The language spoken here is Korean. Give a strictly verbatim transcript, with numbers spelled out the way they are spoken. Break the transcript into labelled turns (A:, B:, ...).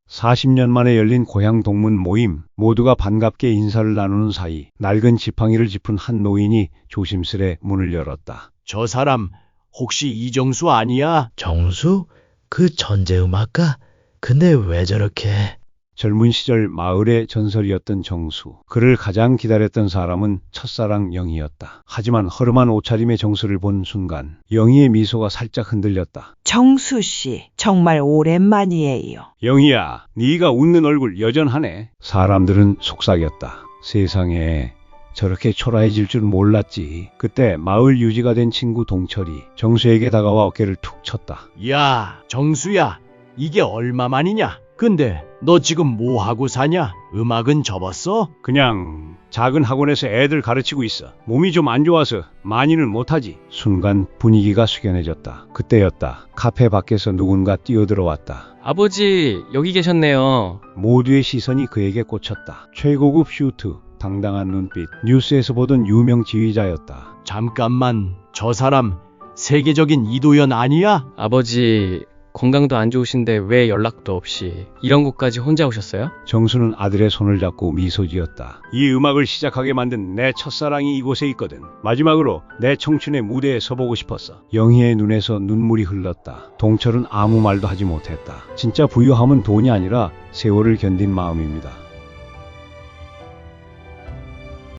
A: 사십 년 만에 열린 고향 동문 모임, 모두가 반갑게 인사를 나누는 사이 낡은 지팡이를 짚은 한 노인이 조심스레 문을 열었다.
B: 저 사람 혹시 이정수 아니야?
C: 정수? 그 천재음악가? 근데 왜 저렇게...
A: 젊은 시절 마을의 전설이었던 정수. 그를 가장 기다렸던 사람은 첫사랑 영희였다. 하지만 허름한 옷차림의 정수를 본 순간 영희의 미소가 살짝 흔들렸다.
D: 정수 씨, 정말 오랜만이에요.
A: 영희야, 네가 웃는 얼굴 여전하네. 사람들은 속삭였다. 세상에 저렇게 초라해질 줄 몰랐지. 그때 마을 유지가 된 친구 동철이 정수에게 다가와 어깨를 툭 쳤다.
B: 야, 정수야, 이게 얼마만이냐? 근데 너 지금 뭐 하고 사냐? 음악은 접었어?
A: 그냥 작은 학원에서 애들 가르치고 있어. 몸이 좀 안 좋아서 많이는 못하지. 순간 분위기가 숙연해졌다. 그때였다. 카페 밖에서 누군가 뛰어들어왔다.
E: 아버지, 여기 계셨네요.
A: 모두의 시선이 그에게 꽂혔다. 최고급 슈트, 당당한 눈빛, 뉴스에서 보던 유명 지휘자였다.
B: 잠깐만, 저 사람 세계적인 이도현 아니야?
E: 아버지, 건강도 안 좋으신데 왜 연락도 없이 이런 곳까지 혼자 오셨어요?
A: 정수는 아들의 손을 잡고 미소 지었다. 이 음악을 시작하게 만든 내 첫사랑이 이곳에 있거든. 마지막으로 내 청춘의 무대에 서보고 싶었어. 영희의 눈에서 눈물이 흘렀다. 동철은 아무 말도 하지 못했다. 진짜 부유함은 돈이 아니라 세월을 견딘 마음입니다.